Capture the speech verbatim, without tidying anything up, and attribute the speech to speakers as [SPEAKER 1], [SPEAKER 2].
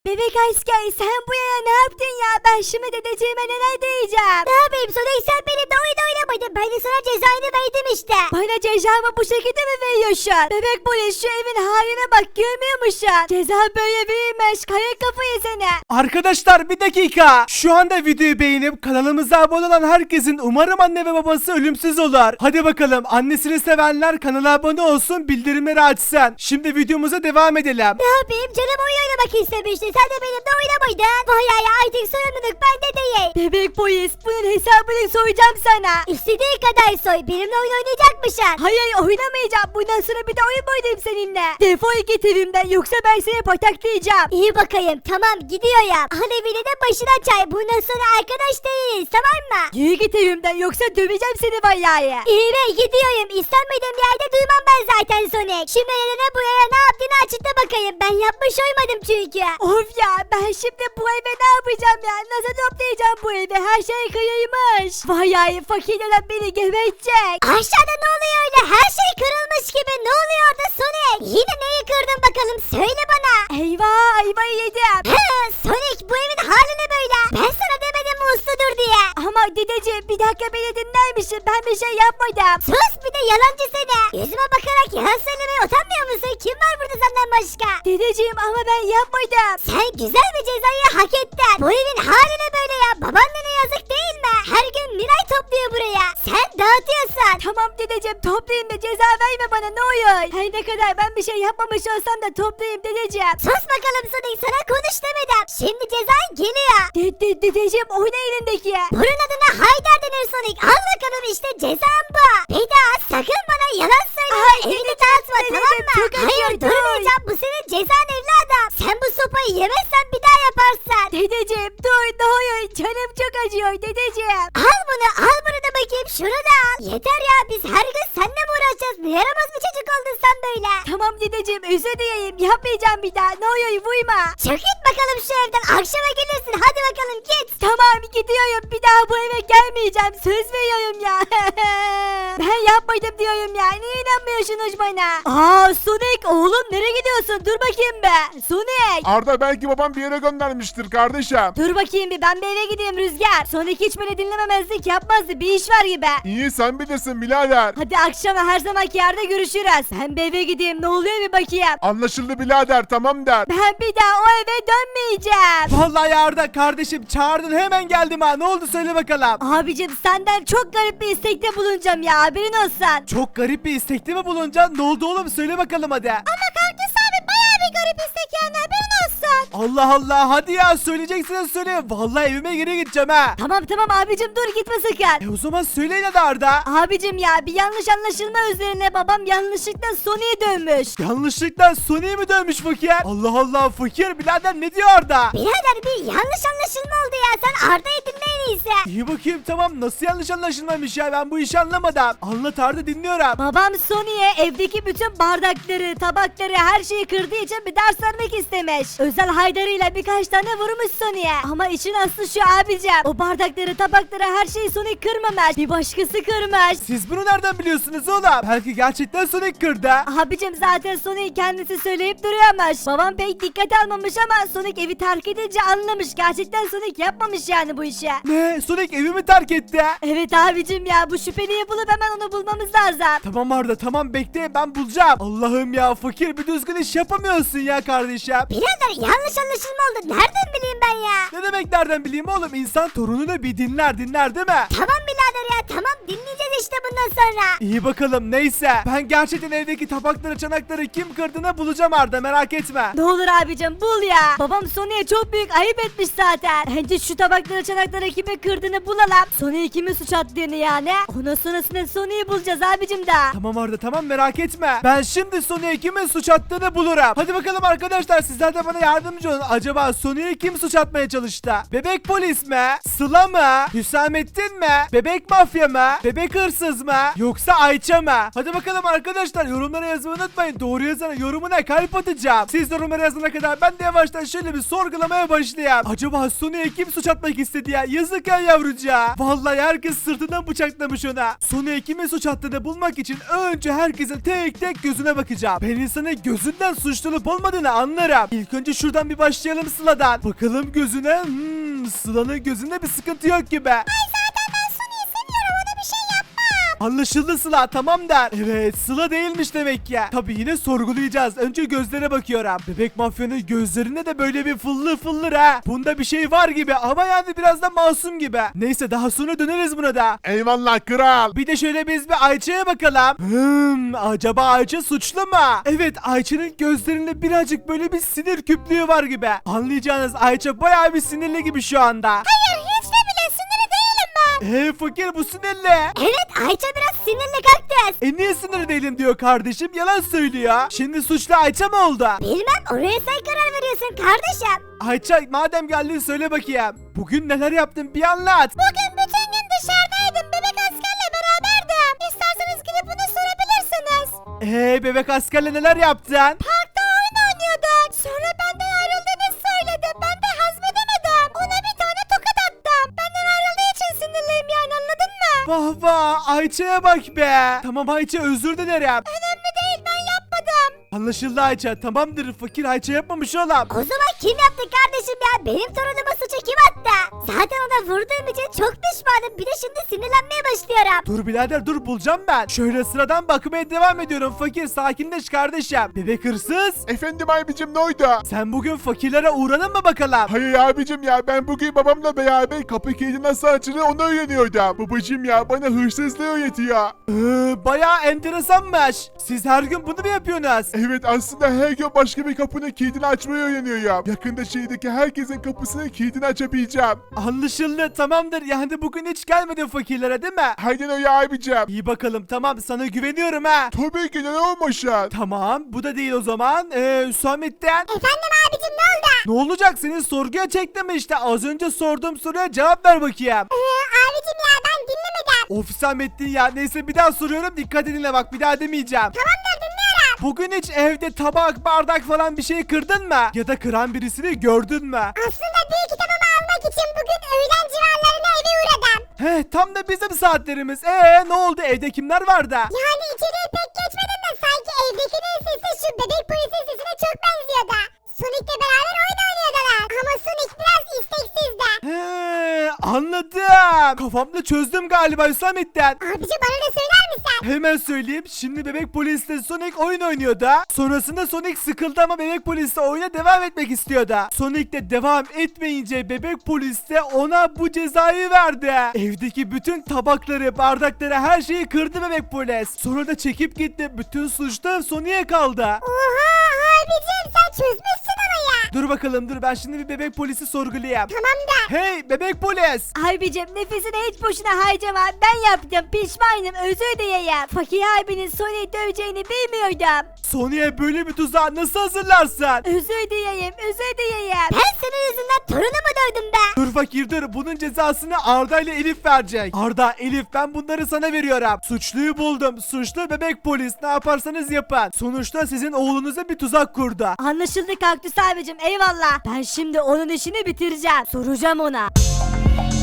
[SPEAKER 1] Bebek asker sen bu yana ne yaptın ya? Ben şimdi dedeciğime neler diyeceğim? Ne yapayım Sonic, sen benimle oyun oynamadın. Ben de sana cezanı verdim işte. Bana cezamı bu şekilde mi veriyorsun? Bebek polis şu evin haline bak, görmüyor musun? Ceza böyle verilmez, kaya kafayı seni.
[SPEAKER 2] Arkadaşlar bir dakika. Şu anda videoyu beğenip kanalımıza abone olan herkesin umarım anne ve babası ölümsüz olur. Hadi bakalım, annesini sevenler kanala abone olsun, bildirimleri açsın. Şimdi videomuza devam edelim.
[SPEAKER 1] Ne yapayım, canım oyun oynamak istemişti. Sen de benimle oynamaydın. Vay ya, artık sorumluluk bende değil. Bebek polis, bunun hesabını soracağım sana. İstediğin kadar soy, benimle oyun oynayacakmışsın. Hayır, oynamayacağım. Bundan sonra bir de oyun mu oynayayım seninle? Defol git evimden, yoksa ben seni pataklayacağım. İyi bakayım, tamam gidiyorum. Al evini de başına çay. Bundan sonra arkadaş değiliz, tamam mı? Yürü git evimden, yoksa döveceğim seni vallahi. İyi be, gidiyorum. İstenmediğim yerde duymam ben zaten Sonic. Şimdi eline buraya ne yaptığını açıkla bakayım. Ben yapmış olmadım çünkü. Of ya, ben şimdi bu eve ne yapacağım ya? Nasıl toplayacağım bu evi? Her şey kıyıymış. Vallahi fakir olan beni gebertecek. Aşağıda ne oluyor öyle? Her şey kırılmış gibi. Ne oluyor orada Sonic? Yine neyi kırdın bakalım? Söyle bana. Eyvah, ayvayı yedim. He, Sonic, bu evin hali ne böyle? Ben sana demedim mi usludur diye. Ama dedeciğim, bir dakika beni dinler misin? Ben bir şey yapmadım. Sus, bir de yalancı seni. Yüzüme bakarak yalan söylemeye utanmıyor musun? Kim var burada senden başka? Dedeciğim, ama ben yapmadım. Sen güzel bir cezayı hak ettin. Bu evin hali ne böyle ya? Babaannene yazık değil mi? Her gün Miray topluyor buraya. Sen dağıtıyorsun. Tamam dedeciğim, toplayayım da ceza verme bana, ne oluyor? Her ne kadar ben bir şey yapmamış olsam da toplayayım dedeciğim. Sus bakalım Sonic, sana konuş demedim. Şimdi cezan geliyor. De, de, dedeciğim, o ne elindeki? Bunun adına Haydar denir Sonic. Al bakalım, işte cezan bu. Bir daha sakın bana yalan söyleme. Evini dağıtma, tamam mı? Hayır, durmayacağım. Bu senin cezan evladım. Sen bu sopayı yemezsen bir daha yaparsın. Dedeciğim dur, ne oluyor? Canım çok acıyor dedeciğim. Al bunu, al bunu da bakayım, şunu da al. Yeter ya, biz her gün seninle mi uğraşacağız? Ne yaramaz bir çocuk oldun sen böyle. Tamam dedeciğim, özür dileyim, yapmayacağım bir daha. Ne oluyor, vurma. Çık git bakalım şu evden, akşama gelirsin, hadi bakalım git. Tamam gidiyorum, bir daha bu eve gelmeyeceğim, söz veriyorum ya. Ben yapmadım diyorum ya, niye inanmıyorsunuz bana? Aa Sonic, oğlum nereye gidiyorsun? Dur bakayım be Sonic.
[SPEAKER 3] Arda, belki babam bir yere göndermiştir kardeşim.
[SPEAKER 1] Dur bakayım bir, ben bir eve gideyim Rüzgar. Sonic hiç beni dinlememezlik yapmazdı, bir iş var gibi.
[SPEAKER 3] İyi, sen bilirsin birader.
[SPEAKER 1] Hadi akşama her zamanki yerde görüşürüz. Ben bir eve gideyim, ne oluyor bir bakayım.
[SPEAKER 3] Anlaşıldı birader, tamam der.
[SPEAKER 1] Ben bir daha o eve dönmeyeceğim.
[SPEAKER 2] Vallahi Arda kardeşim, çağırdın hemen geldim ha. Ne oldu söyle bakalım.
[SPEAKER 1] Abicim, senden çok garip bir istekte bulunacağım ya, haberin olsun.
[SPEAKER 2] Çok garip bir istekte mi bulunacaksın? Ne oldu oğlum, söyle bakalım hadi.
[SPEAKER 1] Ama kaktüs abi bayağı bir garip istek yani, haberin olsun.
[SPEAKER 2] Allah Allah, hadi ya, söyleyeceksiniz söyle. Vallahi evime geri gideceğim ha.
[SPEAKER 1] Tamam tamam abicim, dur gitme sakın.
[SPEAKER 2] E o zaman söyleyin hadi Arda.
[SPEAKER 1] Abicim ya, bir yanlış anlaşılma üzerine babam yanlışlıkla Sony'ye dönmüş.
[SPEAKER 2] Yanlışlıkla Sony'yi mi dönmüş fakir? Allah Allah, fakir birader ne diyor Arda?
[SPEAKER 1] Birader, bir yanlış anlaşılma oldu ya, sen Arda'yı dinle en iyisi.
[SPEAKER 2] İyi bakayım, tamam, nasıl yanlış anlaşılmamış ya, ben bu işi anlamadım. Anlat Arda, dinliyorum.
[SPEAKER 1] Babam Sony'ye evdeki bütün bardakları, tabakları, her şeyi kırdığı için bir ders vermek istemiş. Özel haydarıyla birkaç tane vurmuş Sony'ye. Ama işin aslı şu abicim, o bardakları, tabakları, her şeyi Sony kırmamış, bir başkası kırmış.
[SPEAKER 2] Siz bunu nereden biliyorsunuz oğlum? Belki gerçekten Sonic kırdı.
[SPEAKER 1] Abicim zaten Sony kendisi söyleyip duruyormuş. Babam pek dikkat almamış ama Sonic evi terk edince anlamış. Gerçekten Sonic yapmamış yani bu işi.
[SPEAKER 2] Ne? Sonic evimi terk etti.
[SPEAKER 1] Evet abicim ya, bu şüpheliyi bulup hemen onu bulmamız lazım.
[SPEAKER 2] Tamam Arda, tamam, bekle, ben bulacağım. Allah'ım ya, fakir bir düzgün iş yapamıyorsun ya kardeşim.
[SPEAKER 1] Birader, yanlış anlaşılma oldu. Nereden bileyim ben ya?
[SPEAKER 2] Ne demek nereden bileyim oğlum? İnsan torununu bir dinler dinler değil mi?
[SPEAKER 1] Tamam birader ya, tamam, dinleyeceğiz işte bundan sonra.
[SPEAKER 2] İyi bakalım, neyse. Ben gerçekten evdeki tabakları, çanakları kim kırdığını bulacağım Arda, merak etme.
[SPEAKER 1] Ne olur abicim, bul ya. Babam Sony'ye çok büyük ayıp etmiş zaten. Bence şu tabakları, çanakları kimi kırdığını bulalım. Sony'ye kimin suç attığını yani. Ondan sonrasında Sony'yi bulacağız abicim daha.
[SPEAKER 2] Tamam Arda, tamam, merak etme. Ben şimdi Sony'ye kimin suç attığını bulurum. Hadi bakalım arkadaşlar, sizler de bana yardımcı olun. Acaba Sony'ye kim suç atmaya çalıştı? Bebek polis mi? Sıla mı? Hüsamettin mi? Bebek mafya mı? Bebek hırsız mı? Yoksa Ayça mı? Hadi bakalım arkadaşlar, yorumlara yazmayı unutmayın. Doğru yazana yorumuna kalp atacağım. Siz yorumlara yazana kadar ben de yavaştan şöyle bir sorgulamaya başlayayım. Acaba Sony'ye kim suç atmak istedi ya? Yazık ya yavrucağa. Vallahi herkes sırtından bıçaklamış ona. Sony'ye kimin suç attığını bulmak için önce herkesin tek tek gözüne bakacağım. Ben insanın gözünden suçlulup olmadığını anlarım. İlk önce şuradan bir başlayalım Sıla'dan. Bakalım gözüne. Hmm, Sıla'nın gözünde bir sıkıntı yok gibi. Anlaşıldı Sıla, tamam der. Evet, Sıla değilmiş demek ki. Tabii yine sorgulayacağız. Önce gözlere bakıyorum. Bebek mafyanın gözlerinde de böyle bir fıllı fıldır ha. Bunda bir şey var gibi ama yani biraz da masum gibi. Neyse, daha sonra döneriz buna da.
[SPEAKER 3] Eyvallah kral.
[SPEAKER 2] Bir de şöyle biz bir Ayça'ya bakalım. Hmm, acaba Ayça suçlu mu? Evet, Ayça'nın gözlerinde birazcık böyle bir sinir küplüğü var gibi. Anlayacağınız Ayça bayağı bir sinirli gibi şu anda.
[SPEAKER 1] Hayır hiç de bile sinirli değilim ben.
[SPEAKER 2] Eee fakir, bu sinirli.
[SPEAKER 1] Evet Ayça biraz sinirli kaktüs.
[SPEAKER 2] E niye sinirli değilim diyor kardeşim, yalan söylüyor. Şimdi suçlu Ayça mı oldu?
[SPEAKER 1] Bilmem oraya sen karar veriyorsun kardeşim.
[SPEAKER 2] Ayça madem geldin söyle bakayım. Bugün neler yaptın bir anlat.
[SPEAKER 1] Bugün bütün gün dışarıdaydım. Bebek askerle beraberdim. İsterseniz gidip bunu sorabilirsiniz.
[SPEAKER 2] Eee bebek askerle neler yaptın?
[SPEAKER 1] Parkta oyun oynuyorduk. Sonra benden ayrıldığını söyledi. Ben de hazmedemedim. Ona bir tane tokat attım. Benden ayrıldığı için sinirliyim yani, anladın mı?
[SPEAKER 2] Vah vah, Ayça'ya bak be. Tamam Ayça, özür dilerim.
[SPEAKER 1] Önemli değil, ben yapmadım.
[SPEAKER 2] Anlaşıldı Ayça, tamamdır, fakir Ayça yapmamış oğlum.
[SPEAKER 1] O zaman kim yaptı kardeşim ya? Benim torunuma suçu kim attı? Zaten ona vurduğum için çok pişmanım. Bir de şimdi sinirlenmeye başlıyorum.
[SPEAKER 2] Dur birader dur, bulacağım ben. Şöyle sıradan bakmaya devam ediyorum fakir, sakinleş kardeşim. Bebek hırsız,
[SPEAKER 3] Efendim abicim, ne oldu?
[SPEAKER 2] sen bugün fakirlere uğradın mı bakalım?
[SPEAKER 3] Hayır abicim ya, ben bugün babamla beraber kapı kilidi nasıl açılır onu öğreniyordum. Babacım ya bana hırsızlığı öğretiyor.
[SPEAKER 2] Ee, bayağı enteresanmış. Siz her gün bunu mu yapıyorsunuz?
[SPEAKER 3] Evet, aslında her gün başka bir kapının kilidini açmayı öğreniyorum. Yakında şehirdeki herkesin kapısının kilidini açabileceğim.
[SPEAKER 2] Anlaşıldı, tamamdır. Yani bugün hiç gelmedin fakirlere değil mi?
[SPEAKER 3] Aynen öyle abicim.
[SPEAKER 2] İyi bakalım, tamam, sana güveniyorum ha.
[SPEAKER 3] Tabii ki, ne olmasın?
[SPEAKER 2] Tamam, bu da değil o zaman. Ee, Hüsamettin.
[SPEAKER 1] Efendim abicim, ne oldu?
[SPEAKER 2] Ne olacak, seni sorguya çektim işte. Az önce sorduğum soruya cevap ver bakayım.
[SPEAKER 1] Ee, abicim ya ben dinlemedim.
[SPEAKER 2] Of Hüsamettin ya, neyse bir daha soruyorum, dikkat dinle bak, bir daha demeyeceğim.
[SPEAKER 1] Tamamdır, dinliyorum.
[SPEAKER 2] Bugün hiç evde tabak, bardak falan bir şey kırdın mı? Ya da kıran birisini gördün mü?
[SPEAKER 1] Aslında bir kitabımı almak için bugün öğlen civarlarına eve uğradım.
[SPEAKER 2] He, tam da bizim saatlerimiz. Ee ne oldu, evde kimler vardı?
[SPEAKER 1] Yani içeriye pek geçmedim de sanki evdekinin sesi şu bebek polisin sesine çok benziyordu. Sonic'le beraber oyun oynuyordular. Ama Sonic biraz isteksizdi.
[SPEAKER 2] He, anladım. Kafamda çözdüm galiba Hüsamettin.
[SPEAKER 1] Abici bana da söyler misin?
[SPEAKER 2] Hemen söyleyeyim. Şimdi bebek polisle Sonic oyun oynuyordu. Sonrasında Sonic sıkıldı ama bebek polisle oyuna devam etmek istiyordu. Sonic de devam etmeyince bebek polis de ona bu cezayı verdi. Evdeki bütün tabakları, bardakları, her şeyi kırdı bebek polis. Sonra da çekip gitti. Bütün suç da Sonic'e kaldı.
[SPEAKER 1] Oha abicim sen çözmüşsün olayı.
[SPEAKER 2] Dur bakalım, dur, ben şimdi bir bebek polisi sorgulayayım.
[SPEAKER 1] Tamam da.
[SPEAKER 2] Hey bebek polis.
[SPEAKER 1] Abicim nefesini hiç boşuna harcama. Ben yaptım, pişmanım, özür dileyim. Fakir abinin Sonic'i döveceğini bilmiyordum.
[SPEAKER 2] Sony'e böyle bir tuzağı nasıl hazırlarsın?
[SPEAKER 1] Özür dileyim, özür dileyim. Ben senin yüzünden torunumu dövdüm be.
[SPEAKER 2] Dur fakir dur, bunun cezasını Arda ile Elif verecek. Arda, Elif, ben bunları sana veriyorum. Suçluyu buldum. Suçlu bebek polis, ne yaparsanız yapın. Sonuçta sizin oğlunuza bir tuzak kurdu.
[SPEAKER 1] Anlaşıldı Kaktüs abicim, eyvallah. Ben şimdi onun işini bitireceğim. Soracağım ona.